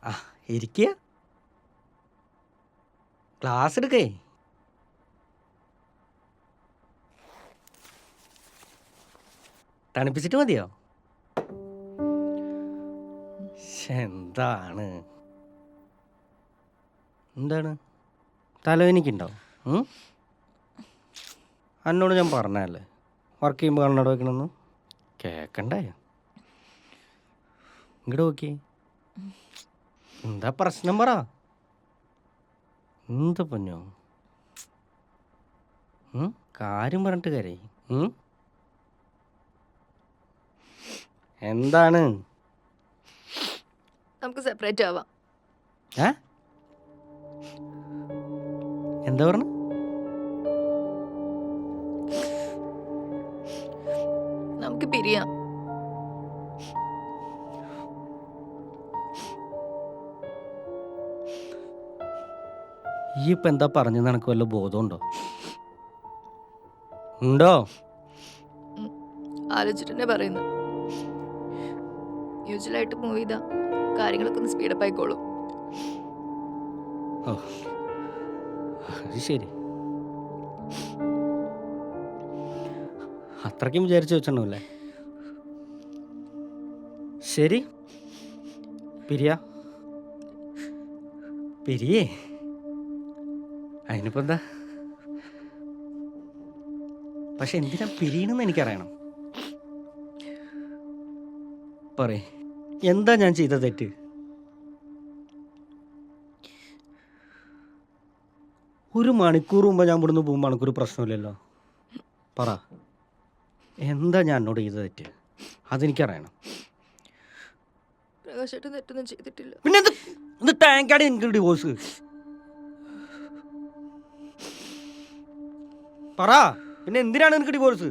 ആ ഇരിക്കുക. ക്ലാസ് എടുക്കേ. തണുപ്പിച്ചിട്ട് മതിയോ? എന്താണ് എന്താണ് തലവേനിക്കുണ്ടോ? എന്നോട് ഞാൻ പറഞ്ഞല്ലേ വർക്ക് ചെയ്യുമ്പോൾ കണ്ണട വയ്ക്കണമെന്ന്. കേൾക്കണ്ടേ? ഇങ്ങോട്ട് നോക്കി. എന്താ പ്രശ്നം പറ. എന്താ പൊന്നോ കാര്യം പറഞ്ഞിട്ട് കരയി. എന്താണ്? നമുക്ക് സെപ്പറേറ്റ് ആവാം. എന്താ പറഞ്ഞു? നമുക്ക് പിരിയാം. ഈ ഇപ്പം എന്താ പറഞ്ഞെന്ന് എനിക്ക് വല്ല ബോധമുണ്ടോ? ഉണ്ടോ? ആലോചിച്ചിട്ട് തന്നെ പറയുന്നു. യൂഷ്വലായിട്ട് മൂവ് ചെയ്താ കാര്യങ്ങളൊക്കെ ഒന്ന് സ്പീഡപ്പ് ആയിക്കോളും. ഓ അത് ശരി. അത്രയ്ക്കും വിചാരിച്ചു വെച്ചിട്ടുണ്ടാവില്ലേ? ശരി പിരിയേ. അതിനിപ്പോൾ എന്താ? പക്ഷെ എന്തിനാ പിരിയണമെന്ന് എനിക്കറിയണം. പറയേ, എന്താ ഞാൻ ചെയ്ത തെറ്റ്? ഒരു മണിക്കൂർ മുമ്പ് ഞാൻ ഇവിടുന്ന് പോകുമ്പോൾ മണിക്കൂർ പ്രശ്നമില്ലല്ലോ. പറ, എന്താ ഞാൻ എന്നോട് ചെയ്ത തെറ്റ്? അതെനിക്കറിയണം. പ്രകാശേട്ടൻ തെറ്റൊന്നും ചെയ്തിട്ടില്ല. പിന്നെ എന്ത് ടാങ്കാണ് എനിക്ക് ഡിവോഴ്സ്? പറ, പിന്നെ എന്തിനാണ് എനിക്ക് ഡിവോഴ്സ്?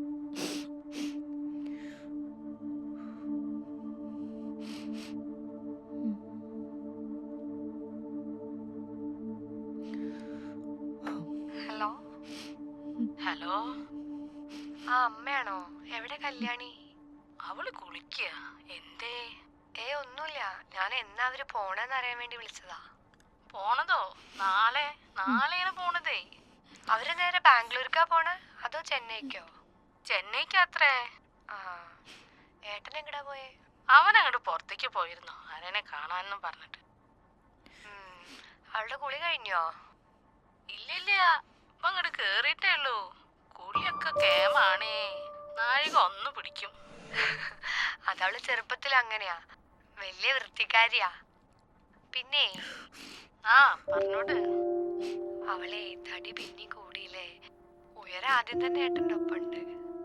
ഹലോ ഹലോ, ആ അമ്മയാണോ? എവിടെ കല്യാണി? അവള് കുളിക്കുക. എന്തേ? ഒന്നുമില്ല, ഞാൻ എന്നാ അവര് പോണെന്ന് അറിയാൻ വേണ്ടി വിളിച്ചതാ. പോണതോ? നാളെയാണ് പോണതേ. അവര് നേരെ ബാംഗ്ലൂർക്കാ പോണേ അതോ ചെന്നൈക്കോ? ചെന്നൈക്കാത്രേ. ആ, ഏട്ടൻ എങ്ങടാ പോയേ? അവൻ അങ്ങോട്ട് പുറത്തേക്ക് പോയിരുന്നു, ആരെന്നെ കാണാനെന്നും പറഞ്ഞിട്ട്. അവളുടെ കുളി കഴിഞ്ഞോ? ഇല്ലില്ല, ഇപ്പൊ അങ്ങോട്ട് കേറിയിട്ടേ ഉള്ളൂ. കുളിയൊക്കെ കേമാണേ, നാഴിക ഒന്ന് പിടിക്കും. അതവള് ചെറുപ്പത്തിൽ അങ്ങനെയാ, വലിയ വൃത്തിക്കാരിയാ. പിന്നെ ആ പറഞ്ഞോട്. അവളെ തടി പിന്നെ കൂടിയില്ലേ, ഉയരം ആദ്യം തന്നെ ഏട്ടൻ്റെ ഒപ്പുണ്ട്.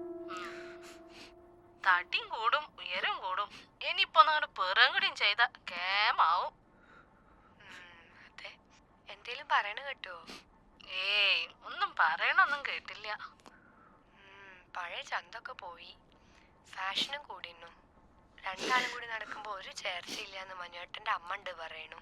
തടിയും കൂടും ഉയരം കൂടും, ഇനിയിപ്പോ അങ്ങോട്ട് പിറകുടിയും ചെയ്ത കേമാവും. അതെ, എന്തേലും പറയണ കേട്ടോ? ഒന്നും പറയണൊന്നും കേട്ടില്ല. പഴയ ചന്തൊക്കെ പോയി, ഫാഷനും കൂടിന്നു. രണ്ടാളും കൂടി നടക്കുമ്പോ ഒരു ചേർച്ചയില്ലാന്ന് മനുവേട്ടന്റെ അമ്മ ഉണ്ട് പറയണു.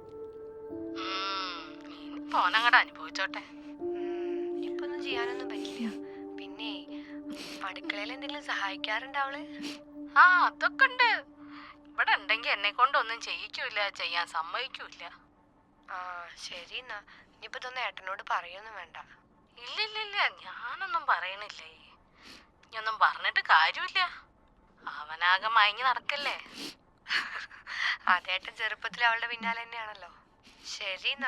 പോനങ്ങടെ അനുഭവിച്ചോട്ടെ. ഇപ്പൊ ഒന്നും ചെയ്യാനൊന്നും പറ്റില്ല. പിന്നെ അടുക്കളയിൽ എന്തെങ്കിലും സഹായിക്കാറുണ്ട് അവള്? ആ, അതൊക്കെ ഉണ്ട്. ഇവിടെ ഉണ്ടെങ്കി എന്നെ കൊണ്ടൊന്നും ചെയ്യിക്കൂല, ചെയ്യാൻ സമ്മതിക്കൂല. ആ ശരി, എന്നാ ഇനിയിപ്പോ ഇതൊന്നും ഏട്ടനോട് പറയൊന്നും വേണ്ട. ഇല്ലില്ല, ഞാനൊന്നും പറയണില്ലേ. ഇനിയൊന്നും പറഞ്ഞിട്ട് കാര്യമില്ല, അവനാകെ മയങ്ങി നടക്കല്ലേ. അതേട്ടൻ ചെറുപ്പത്തിൽ അവളുടെ പിന്നാലെ തന്നെയാണല്ലോ. ശരി.